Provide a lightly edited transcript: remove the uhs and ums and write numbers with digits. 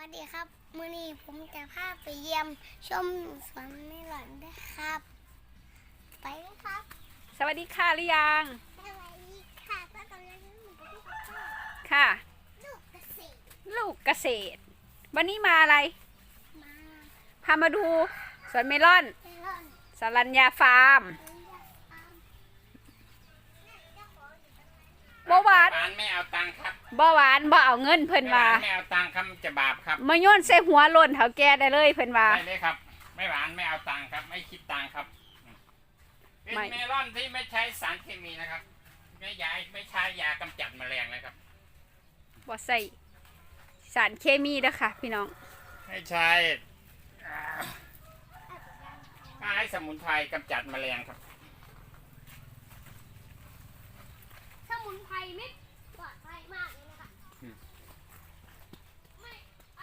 วัสดีครับมื้อนี้ผมจะพาไปเยี่ยมชมสวนเมลอนด้วยครับไปเลยครับสวัสดีค่ะหรือยังสวัสดีค่ะก็ตอนนี้หนูไปที่บ้านค่ะลูกเกษตรลูกเกษตร วันนี้มาอะไรมาพามาดูสวนเมลอนเมลอนสรัญญาฟาร์มเลี้ยงฟาร์มนี่เจ้าของอยู่ตรงนั้นบ่หวานหวานไม่เอาตังค์ครับบ่หวานบ่เอาเงินเพิ่นไม่หว่าวานไม่เอาตังค์ครับจะบาปครับมาโยนใส่หัวหล่นเถาแก่ได้เลยเพิ่นว่าได้เลยครับ ไม่หวานไม่เอาตังค์ครับ ไม่คิดตังค์ครับเป็นไม่เมลอนที่ไม่ใช้สารเคมีนะครับไม่ใช้ยากำจัดแมลงนะครับบ่ใส่สารเคมีเด้อค่ะ พี่น้องไม่ใช้ใช้สมุนไพรกำจัดแมลงครับสมุนไพรเม็ด